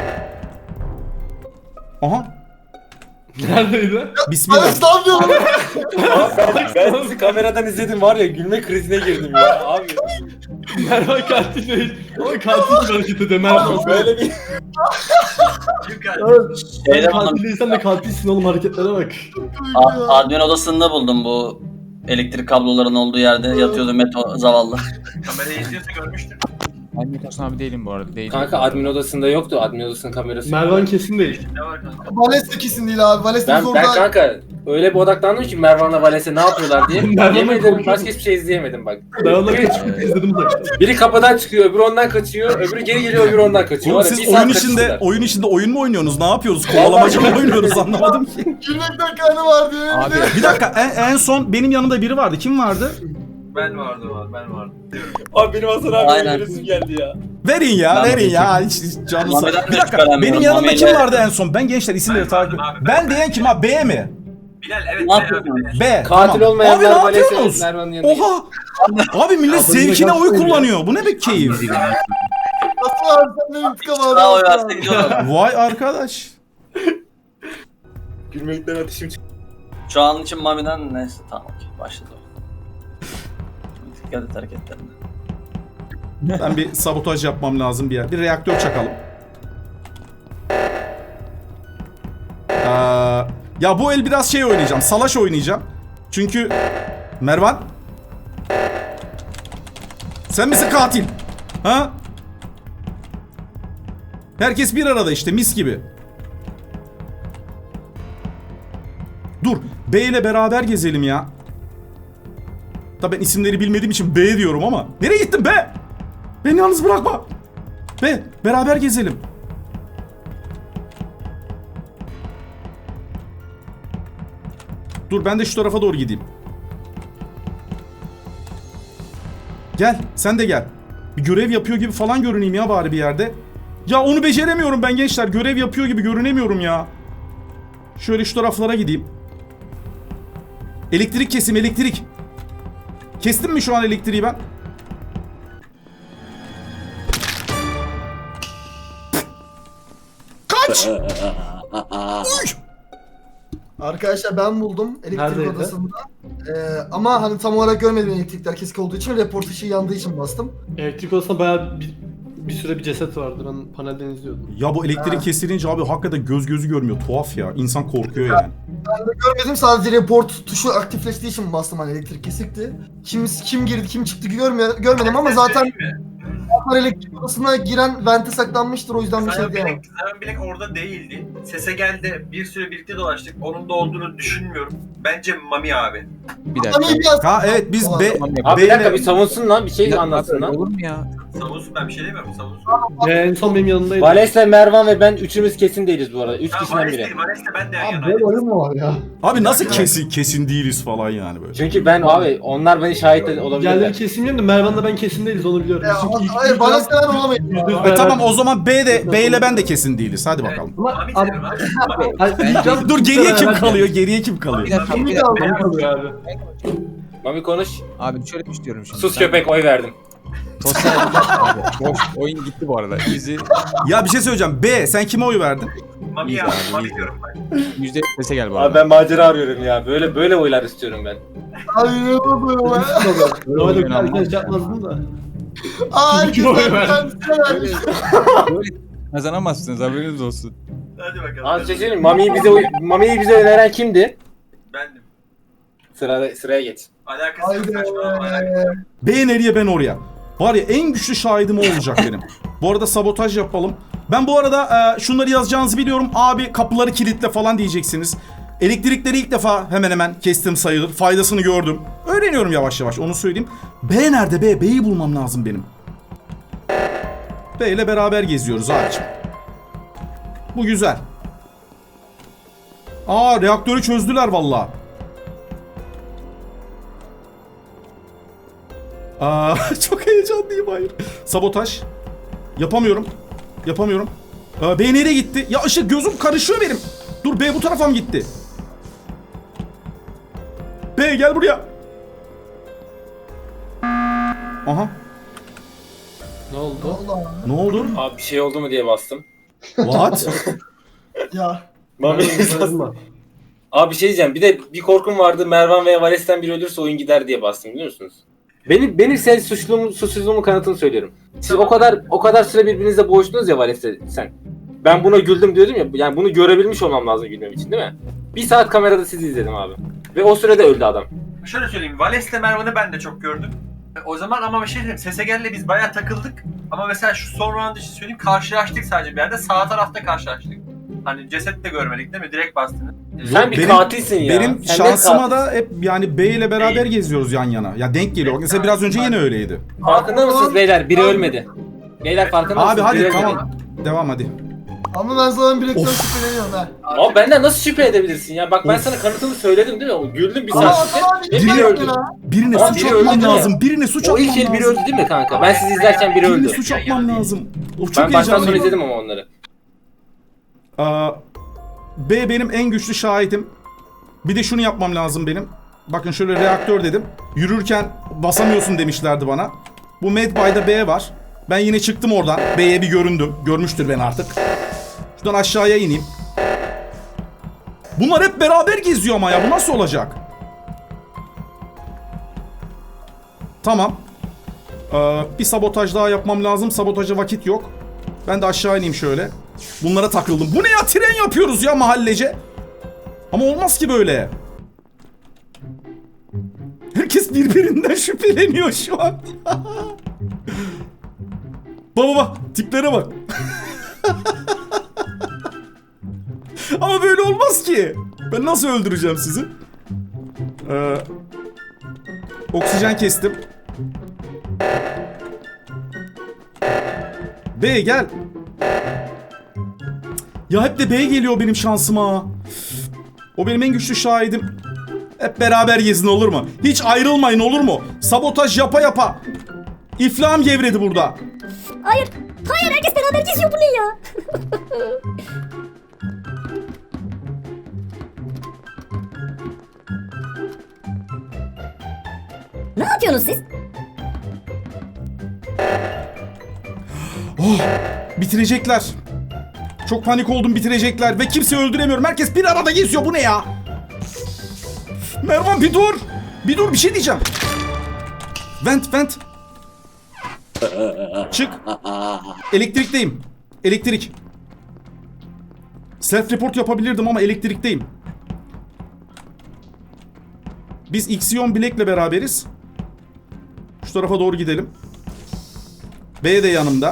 [SPEAKER 1] Aha.
[SPEAKER 3] Neredeydi?
[SPEAKER 1] Bismillah.
[SPEAKER 2] Vales ne yapıyorsun?
[SPEAKER 6] Ben sizi kameradan izledim var ya gülme krizine girdim ya abi.
[SPEAKER 3] Mervan katil değil. Ama katil gibi hareket ediyor Mervan.
[SPEAKER 6] Böyle bir
[SPEAKER 7] Yukarı.
[SPEAKER 3] Sen
[SPEAKER 4] Şeyde
[SPEAKER 3] katil
[SPEAKER 4] buldum.
[SPEAKER 3] değilsen de katilsin oğlum, hareketlere bak.
[SPEAKER 4] Admin odasında buldum bu elektrik kablolarının olduğu yerde yatıyordu Meto zavallı.
[SPEAKER 7] Kamerayı izliyorsa görmüştür.
[SPEAKER 5] Ben Meto Hasan abi değilim bu arada. Değilim.
[SPEAKER 6] kanka admin odasında yoktu. Admin odasının kamerası.
[SPEAKER 3] Mervan kesin değil.
[SPEAKER 7] Ne var kanka?
[SPEAKER 2] Vales de kesin değil abi. Vales de
[SPEAKER 6] Ben
[SPEAKER 2] orada.
[SPEAKER 6] kanka öyle bir odaklandım ki Mervan'la Vales'e ne yapıyorlar diye.
[SPEAKER 3] Mervan'la
[SPEAKER 6] Yemin ederim
[SPEAKER 3] korkuyorum.
[SPEAKER 6] başka hiçbir şey izleyemedim bak.
[SPEAKER 3] Ben onları kaçıp izledim zaten.
[SPEAKER 6] Biri kapıdan çıkıyor, öbürü ondan kaçıyor, öbürü geri geliyor, öbürü ondan kaçıyor.
[SPEAKER 1] Oğlum
[SPEAKER 6] Var ya,
[SPEAKER 1] siz
[SPEAKER 6] bir saat
[SPEAKER 1] oyun içinde
[SPEAKER 6] kaçıştılar.
[SPEAKER 1] oyun mu oynuyorsunuz? Ne yapıyoruz? Kovalamaca mı oynuyoruz anlamadım ki.
[SPEAKER 2] Gülmekten karnı var diye.
[SPEAKER 5] Abi
[SPEAKER 1] Bir dakika en son benim yanımda biri vardı. Kim vardı?
[SPEAKER 7] Ben vardım. Diyorum.
[SPEAKER 6] Abi benim Hasan abi
[SPEAKER 4] Aynen.
[SPEAKER 6] öldüresim geldi ya.
[SPEAKER 1] Verin ya,
[SPEAKER 4] Ben
[SPEAKER 1] verin
[SPEAKER 4] de
[SPEAKER 1] ya. Hiç canınız.
[SPEAKER 4] Mami'den de
[SPEAKER 1] Bir dakika.
[SPEAKER 4] şüphelenmiyorum.
[SPEAKER 1] Benim yanımda kim
[SPEAKER 4] Mami'yle-
[SPEAKER 1] vardı en son? Ben gençler isimleri
[SPEAKER 7] Ben
[SPEAKER 1] takip.
[SPEAKER 7] vardım abi,
[SPEAKER 1] Ben diyen kim abi? B mi?
[SPEAKER 7] Bilal evet.
[SPEAKER 4] Ne yapıyorsun?
[SPEAKER 1] B.
[SPEAKER 6] Katil
[SPEAKER 1] tamam.
[SPEAKER 6] olmayanlar
[SPEAKER 1] Abi ne
[SPEAKER 6] Vales'e
[SPEAKER 1] yapıyorsunuz?
[SPEAKER 6] Mervan'ın yanında.
[SPEAKER 1] Oha. Abi millet zevkine oy kullanıyor. Bu ne be keyif?
[SPEAKER 2] Nasıl abi sen de intikam aldın.
[SPEAKER 4] Daha oy versek diyorlar.
[SPEAKER 1] Vay arkadaş.
[SPEAKER 6] Gülmekten ateşim çıktı.
[SPEAKER 4] Şu an için Mami'den neyse tamam okey başladı. Dikkat et hareketlerine.
[SPEAKER 1] Ben bir sabotaj yapmam lazım bir yer. Bir reaktör çakalım. Ya bu el biraz şey oynayacağım. Salaş oynayacağım. Çünkü Mervan, sen misin katil? Ha? Herkes bir arada işte, mis gibi. Dur, B ile beraber gezelim ya. Tabii ben isimleri bilmediğim için B diyorum ama. Nereye gittin be? Beni yalnız bırakma. B, beraber gezelim. Dur ben de şu tarafa doğru gideyim. Gel, sen de gel. Bir görev yapıyor gibi falan görüneyim ya bari bir yerde. Ya onu beceremiyorum ben gençler. Görev yapıyor gibi görünemiyorum ya. Şöyle şu taraflara gideyim. Elektrik kesim, elektrik. Kestim mi şu an elektriği ben? Kaç! Uy!
[SPEAKER 2] Arkadaşlar ben buldum elektrik
[SPEAKER 3] Neredeydi?
[SPEAKER 2] odasında. Ama hani tam olarak görmedim elektrikler kesik olduğu için, report ışığı yandığı için bastım.
[SPEAKER 3] Elektrik odasında bayağı bir süre bir ceset vardı. Ben panelden izliyordum.
[SPEAKER 1] Ya bu elektrik kesilince abi hakikaten göz gözü görmüyor. Tuhaf ya. İnsan korkuyor yani.
[SPEAKER 2] Ben de görmedim, sadece report tuşu aktifleştiği için bastım, hani elektrik kesikti. Kim girdi kim çıktı görmedim ama zaten elektrik odasına giren vente saklanmıştır, o yüzden bir şey diyemem.
[SPEAKER 7] Zaten Bilek orada değildi. Sese geldi. Bir süre birlikte dolaştık. Onun da olduğunu düşünmüyorum. Bence Mami abi.
[SPEAKER 5] Bir dakika.
[SPEAKER 2] Ama iyi biraz...
[SPEAKER 1] Ha evet biz B...
[SPEAKER 6] Abi bir dakika bir
[SPEAKER 1] B'yle...
[SPEAKER 6] savunsun lan bir şey
[SPEAKER 5] Ya,
[SPEAKER 6] anlatsın lan.
[SPEAKER 5] olur mu ya?
[SPEAKER 7] Savunsun, ben bir şey demiyorum. Savunsun.
[SPEAKER 3] En son benim yanındaydı.
[SPEAKER 6] Vales'le Mervan ve ben üçümüz kesin değiliz bu arada. Üç
[SPEAKER 7] Tamam,
[SPEAKER 6] kişiden
[SPEAKER 7] Vares'le
[SPEAKER 6] biri.
[SPEAKER 7] değil. Vares'le ben de yan
[SPEAKER 8] Abi
[SPEAKER 7] yanaydım.
[SPEAKER 8] böyle oyun mu var ya?
[SPEAKER 1] Abi nasıl kesin değiliz falan yani böyle.
[SPEAKER 6] Çünkü ben abi onlar beni şahit olabilirler.
[SPEAKER 3] Diğerleri kesin bilmiyorum da Mervan'la ben kesin değiliz, onu biliyorum. Çünkü ilk
[SPEAKER 2] Hayır, bana sen olamayız.
[SPEAKER 1] Tamam o zaman B ile ben de kesin değiliz. Hadi bakalım.
[SPEAKER 7] Mami derim abi. Mami.
[SPEAKER 1] Dur geriye kim kalıyor? Geriye kim kalıyor?
[SPEAKER 5] Bir dakika.
[SPEAKER 2] Kimi
[SPEAKER 5] Bir dakika.
[SPEAKER 2] kaldı?
[SPEAKER 3] kalıyor abi.
[SPEAKER 6] Mami konuş.
[SPEAKER 5] Abi şöyle bir şey diyorum şimdi.
[SPEAKER 6] Sus
[SPEAKER 5] Sen-
[SPEAKER 6] köpek oy verdim.
[SPEAKER 5] Sosyal abi. Boş. Oyun gitti bu arada. Bizi
[SPEAKER 1] Ya bir şey söyleyeceğim. B sen kime oy verdin?
[SPEAKER 7] Mami
[SPEAKER 5] İyi
[SPEAKER 7] ya.
[SPEAKER 5] abi,
[SPEAKER 7] Mami
[SPEAKER 5] iyi.
[SPEAKER 7] diyorum ben.
[SPEAKER 5] %1 sese gel bu
[SPEAKER 6] Abi
[SPEAKER 5] arada.
[SPEAKER 6] ben macera arıyorum ya. Böyle oylar istiyorum ben.
[SPEAKER 2] Ay ne oluyor lan?
[SPEAKER 3] Normalde
[SPEAKER 5] oyun
[SPEAKER 3] herkes
[SPEAKER 5] almam.
[SPEAKER 3] yapmazdım da.
[SPEAKER 2] Ay
[SPEAKER 3] Kim oy verdi?
[SPEAKER 5] Böyle kazanamazsınız, haberiniz olsun.
[SPEAKER 7] Hadi bakalım.
[SPEAKER 6] Az şey söyleyeyim Mami'yi bize öneren kimdi?
[SPEAKER 7] Bendim.
[SPEAKER 6] Sıraya geç.
[SPEAKER 7] Alakası yok.
[SPEAKER 2] Haydi.
[SPEAKER 7] Saçmalama, alakası yok.
[SPEAKER 1] B nereye ben oraya. Var ya en güçlü şahidim o olacak benim. Bu arada sabotaj yapalım. Ben bu arada şunları yazacağınızı biliyorum. Abi kapıları kilitle falan diyeceksiniz. Elektrikleri ilk defa hemen hemen kestim sayılır. Faydasını gördüm. Öğreniyorum yavaş yavaş, onu söyleyeyim. B nerede B? B'yi bulmam lazım benim. B ile beraber geziyoruz abicim. Bu güzel. Aa reaktörü çözdüler vallahi. Aa çok heyecanlıyım, hayır. Sabotaj. Yapamıyorum. B nereye gitti? Ya ışık, gözüm karışıyor benim. Dur B bu tarafa mı gitti? B gel buraya. Aha.
[SPEAKER 3] Ne oldu?
[SPEAKER 2] Allah.
[SPEAKER 1] Ne oldu?
[SPEAKER 6] Abi bir şey oldu mu diye bastım.
[SPEAKER 1] What?
[SPEAKER 2] Ya.
[SPEAKER 6] Mami
[SPEAKER 3] Mervan.
[SPEAKER 6] Abi bir şey diyeceğim. Bir de bir korkum vardı. Mervan veya Vales'ten biri ölürse oyun gider diye bastım, biliyor musunuz? Benim senin suçsuzluğumun kanıtını söylüyorum. Siz o kadar süre birbirinizle boğuştunuz ya Vales'le sen. Ben buna güldüm diyordum ya. Yani bunu görebilmiş olmam lazım gülmem için, değil mi? Bir saat kamerada sizi izledim abi. Ve o sürede öldü adam.
[SPEAKER 7] Şöyle söyleyeyim. Vales'le Mervan'ı ben de çok gördüm. O zaman ama bir şey diyeyim. Sesegel'le biz bayağı takıldık. Ama mesela şu son round için söyleyeyim. Karşılaştık sadece bir yerde. Sağ tarafta karşılaştık. Hani ceset de görmedik değil mi? Direkt bastınız.
[SPEAKER 6] Sen bir katilsin ya.
[SPEAKER 1] Benim
[SPEAKER 6] Sen
[SPEAKER 1] şansıma
[SPEAKER 6] net
[SPEAKER 1] da hep yani B ile beraber geziyoruz yan yana. Ya denk geliyor. Bak mesela biraz önce yine öyleydi.
[SPEAKER 6] Farkında mısınız beyler? Biri ölmedi. Beyler farkında
[SPEAKER 1] Abi
[SPEAKER 6] mısınız? Biri
[SPEAKER 1] hadi
[SPEAKER 6] ölmedi.
[SPEAKER 1] tamam. Devam hadi.
[SPEAKER 2] Ama ben sana bir reklam
[SPEAKER 1] Of.
[SPEAKER 2] şüpheleniyorum ha.
[SPEAKER 6] Ama benden nasıl şüphe edebilirsin ya? Bak ben
[SPEAKER 1] Of.
[SPEAKER 6] sana kanıtımı söyledim değil mi? O güldüm bir
[SPEAKER 2] Ama
[SPEAKER 6] saat.
[SPEAKER 2] tamam
[SPEAKER 6] Ve
[SPEAKER 2] bir
[SPEAKER 6] biri öldü.
[SPEAKER 1] Birine
[SPEAKER 6] Tamam,
[SPEAKER 1] suç
[SPEAKER 6] biri
[SPEAKER 1] atmam
[SPEAKER 6] öldü değil mi?
[SPEAKER 1] lazım. Birine suç
[SPEAKER 6] O
[SPEAKER 1] atmam
[SPEAKER 6] ilk el biri
[SPEAKER 1] lazım.
[SPEAKER 6] öldü değil mi kanka? Ben sizi izlerken biri
[SPEAKER 1] Birine
[SPEAKER 6] öldü.
[SPEAKER 1] suç atmam lazım. Of çok
[SPEAKER 6] Ben baştan sona
[SPEAKER 1] heyecanlıyım.
[SPEAKER 6] izledim ama onları.
[SPEAKER 1] B benim en güçlü şahidim. Bir de şunu yapmam lazım benim. Bakın şöyle reaktör dedim. Yürürken basamıyorsun demişlerdi bana. Bu Medbay'da B var. Ben yine çıktım oradan. B'ye bir göründüm. Görmüştür beni artık. Şuradan aşağıya ineyim. Bunlar hep beraber geziyor ama ya. Bu nasıl olacak? Tamam. Bir sabotaj daha yapmam lazım. Sabotaja vakit yok. Ben de aşağı ineyim şöyle. Bunlara takıldım. Bu ne ya? Tren yapıyoruz ya mahallece. Ama olmaz ki böyle. Herkes birbirinden şüpheleniyor şu an. Baba tiplere bak. Ama böyle olmaz ki. Ben nasıl öldüreceğim sizi? Oksijen kestim. B gel. Ya hep de B geliyor benim şansıma. O benim en güçlü şahidim. Hep beraber gezin olur mu? Hiç ayrılmayın olur mu? Sabotaj yapa yapa. İflahım gevredi burada.
[SPEAKER 10] Hayır. Hayır, herkes beraber geziyor, bu ne ya? Ne yapıyorsunuz siz?
[SPEAKER 1] Bitirecekler. Çok panik oldum, bitirecekler. Ve kimseyi öldüremiyorum. Herkes bir arada geziyor. Bu ne ya? Mervan bir dur. Bir dur, bir şey diyeceğim. Vent. Çık. Elektrikteyim. Elektrik. Self report yapabilirdim ama elektrikteyim. Biz Ixion Black'le beraberiz. Şu tarafa doğru gidelim. B de yanımda.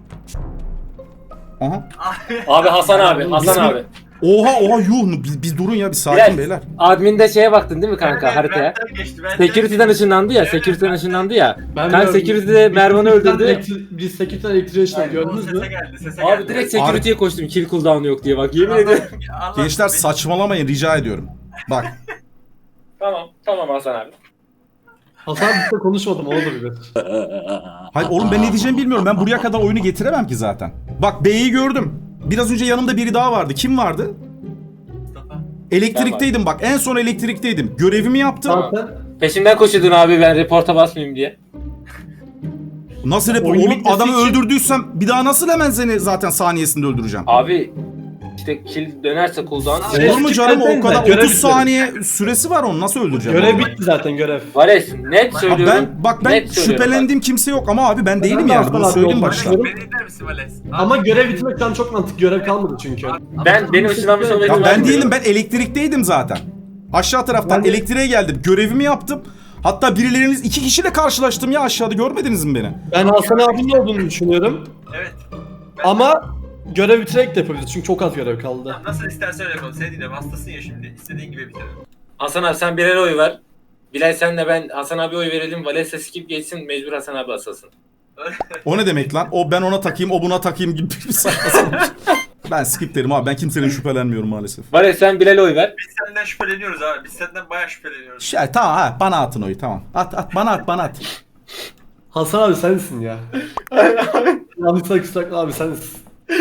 [SPEAKER 1] Aha.
[SPEAKER 6] Abi Hasan abi.
[SPEAKER 1] Oha yuh. Biz durun ya, bir sakin beyler.
[SPEAKER 6] Admin'de şeye baktın değil mi kanka
[SPEAKER 7] Ben-
[SPEAKER 6] haritaya?
[SPEAKER 7] benden geçti, benden
[SPEAKER 6] Security'den
[SPEAKER 7] geçti.
[SPEAKER 6] ışınlandı ya.
[SPEAKER 7] Evet,
[SPEAKER 6] Security'den
[SPEAKER 7] evet.
[SPEAKER 6] ışınlandı ya.
[SPEAKER 3] Ben
[SPEAKER 6] Kanka
[SPEAKER 3] gördüm.
[SPEAKER 6] Security'de Mervan'ı öldürdü.
[SPEAKER 3] Biz Security'den elektriğe işledik, gördünüz mü?
[SPEAKER 7] Sese geldi, sese
[SPEAKER 6] Abi
[SPEAKER 7] geldi.
[SPEAKER 6] direkt Security'ye koştum. Kill cooldown yok diye bak yemin ederim.
[SPEAKER 7] Allah-
[SPEAKER 1] Gençler saçmalamayın rica ediyorum. Bak.
[SPEAKER 6] Tamam Hasan abi.
[SPEAKER 3] Hasan bizle konuşmadım, olabilir.
[SPEAKER 1] Hayır oğlum, ben ne diyeceğimi bilmiyorum. Ben buraya kadar oyunu getiremem ki zaten. Bak B'yi gördüm. Biraz önce yanımda biri daha vardı. Kim vardı?
[SPEAKER 7] Mustafa.
[SPEAKER 1] Elektrikteydim bak. En son elektrikteydim. Görevimi yaptım.
[SPEAKER 3] Zaten
[SPEAKER 6] Peşimden koşuyordun abi ben reporta basmayayım diye.
[SPEAKER 1] Nasıl
[SPEAKER 3] Oyun
[SPEAKER 1] oğlum,
[SPEAKER 3] bitmesi
[SPEAKER 1] adamı
[SPEAKER 3] için-
[SPEAKER 1] öldürdüysem bir daha nasıl hemen seni zaten saniyesinde öldüreceğim?
[SPEAKER 6] Abi işte kill dönerse cooldown.
[SPEAKER 3] Şey-
[SPEAKER 1] Olur mu canım, o kadar
[SPEAKER 3] Görev
[SPEAKER 1] 30
[SPEAKER 3] bitmedi.
[SPEAKER 1] saniye süresi var, onu nasıl öldüreceğim?
[SPEAKER 3] görev bitti zaten, görev.
[SPEAKER 6] Vales net
[SPEAKER 1] Ha,
[SPEAKER 6] söylüyorum.
[SPEAKER 1] ben
[SPEAKER 6] net söylüyorum
[SPEAKER 1] şüphelendiğim kimse yok ama abi ben değilim
[SPEAKER 3] de
[SPEAKER 1] yani,
[SPEAKER 3] Aslan
[SPEAKER 1] bunu
[SPEAKER 3] abi
[SPEAKER 1] söyleyeyim
[SPEAKER 3] olmak
[SPEAKER 1] başta.
[SPEAKER 3] istiyorum.
[SPEAKER 7] Beni dinler misin Vales?
[SPEAKER 3] Ama görev bitmekten çok mantıklı, görev kalmadı çünkü.
[SPEAKER 6] Benim ışınlanmış olmayı
[SPEAKER 1] Ya ben
[SPEAKER 6] güvenmiyorum.
[SPEAKER 1] değilim, ben elektrikteydim zaten. Aşağı taraftan
[SPEAKER 3] Ben de-
[SPEAKER 1] elektriğe geldim, görevimi yaptım. Hatta birileriniz 2 kişiyle karşılaştım ya aşağıda, görmediniz mi beni?
[SPEAKER 3] Ben Hasan abinin olduğunu düşünüyorum.
[SPEAKER 7] Evet.
[SPEAKER 3] Ama görev bitirerek de yapabiliriz çünkü çok az görev kaldı.
[SPEAKER 7] Tamam, nasıl istersen öyle yapalım. Seni dinliyorum. Hastasın ya şimdi. İstediğin gibi bitirelim.
[SPEAKER 6] Hasan abi sen birer oy ver. Bilal senle ben Hasan abi oy verelim. Vales'e skip geçsin. Mecbur Hasan abi asılsın.
[SPEAKER 1] O ne demek lan? O ben ona takayım, o buna takayım gibi bir saçma sapan. Ben skip derim abi, ben kimsenin şüphelenmiyorum maalesef.
[SPEAKER 6] Vales sen Bilal'e oy ver.
[SPEAKER 7] Biz senden şüpheleniyoruz abi. Biz senden bayağı şüpheleniyoruz.
[SPEAKER 1] Şey, tamam ha, bana atın oyu, tamam. At bana at.
[SPEAKER 3] Hasan abi sensin ya. Yanlışlıkla kusura abi sensin.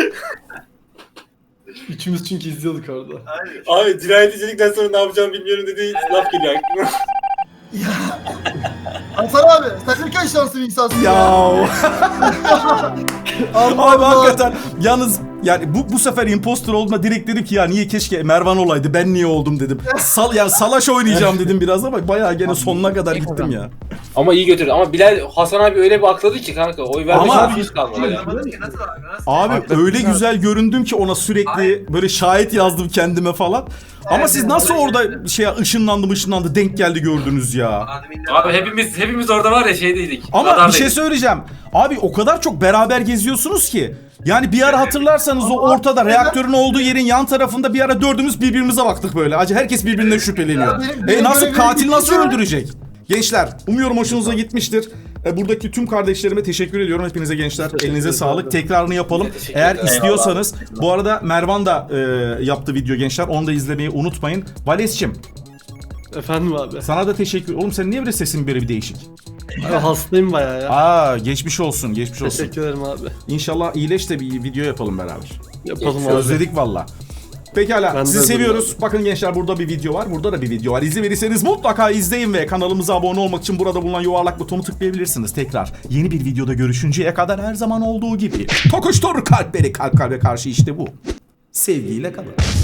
[SPEAKER 3] Üçümüz çünkü izliyorduk orada.
[SPEAKER 7] Hayır.
[SPEAKER 6] Abi cinayetçilikten sonra ne yapacağımı bilmiyorum dediği laf geliyor aklıma.
[SPEAKER 2] Hasan abi sen ne kadar şanslı bir insansın
[SPEAKER 1] Ya
[SPEAKER 2] Allah
[SPEAKER 1] abi
[SPEAKER 2] Allah.
[SPEAKER 1] hakikaten yalnız yani bu sefer imposter olduğuma direkt dedim ki ya niye keşke Mervan olaydı, ben niye oldum dedim. Salaş oynayacağım dedim biraz ama bayağı gene sonuna kadar gittim ya.
[SPEAKER 6] Ama iyi götürdü. Ama Bilal Hasan abi öyle bir akladı ki kanka. Oy vermek
[SPEAKER 1] Ama-
[SPEAKER 6] hiç kalmadı.
[SPEAKER 7] Anlamadım ki nasıl abi? Nasıl?
[SPEAKER 1] Abi öyle güzel göründüm ki ona, sürekli böyle şahit yazdım kendime falan. Ama siz nasıl orada ışınlandı denk geldi gördünüz ya.
[SPEAKER 7] Adminler-
[SPEAKER 6] Abi hepimiz orada var ya şeydeydik.
[SPEAKER 1] Ama bir
[SPEAKER 6] radardaydık.
[SPEAKER 1] şey söyleyeceğim. Abi o kadar çok beraber geziyorsunuz ki. Yani bir ara hatırlarsanız o ortada reaktörün olduğu yerin yan tarafında bir ara dördümüz birbirimize baktık böyle. Acı herkes birbirinden şüpheleniyor.
[SPEAKER 2] benim
[SPEAKER 1] Nasıl
[SPEAKER 2] görevim
[SPEAKER 1] katil nasıl
[SPEAKER 2] bitince-
[SPEAKER 1] öldürecek? Gençler umuyorum hoşunuza gitmiştir. Buradaki tüm kardeşlerime teşekkür ediyorum. Hepinize gençler elinize sağlık. Tekrarını yapalım.
[SPEAKER 6] Teşekkür
[SPEAKER 1] Eğer
[SPEAKER 6] ederim.
[SPEAKER 1] istiyorsanız. Bu arada Mervan da yaptı video gençler. Onu da izlemeyi unutmayın. Vales'cim
[SPEAKER 3] Efendim abi.
[SPEAKER 1] sana da teşekkür. Oğlum sen niye böyle sesin böyle bir değişik?
[SPEAKER 3] Abi hastayım bayağı ya.
[SPEAKER 1] Aa geçmiş olsun, geçmiş olsun.
[SPEAKER 3] Teşekkür ederim abi.
[SPEAKER 1] İnşallah iyileş de bir video yapalım beraber.
[SPEAKER 3] Yapalım abi.
[SPEAKER 1] Özledik valla. Pekala
[SPEAKER 3] Ben de
[SPEAKER 1] sizi
[SPEAKER 3] özledim
[SPEAKER 1] seviyoruz. Bakın gençler burada bir video var. Burada da bir video var. İzin verirseniz mutlaka izleyin ve kanalımıza abone olmak için burada bulunan yuvarlak butonu tıklayabilirsiniz. Tekrar yeni bir videoda görüşünceye kadar her zaman olduğu gibi. Tokuştur kalpleri kalp kalbe karşı işte bu. Sevgiyle kalın.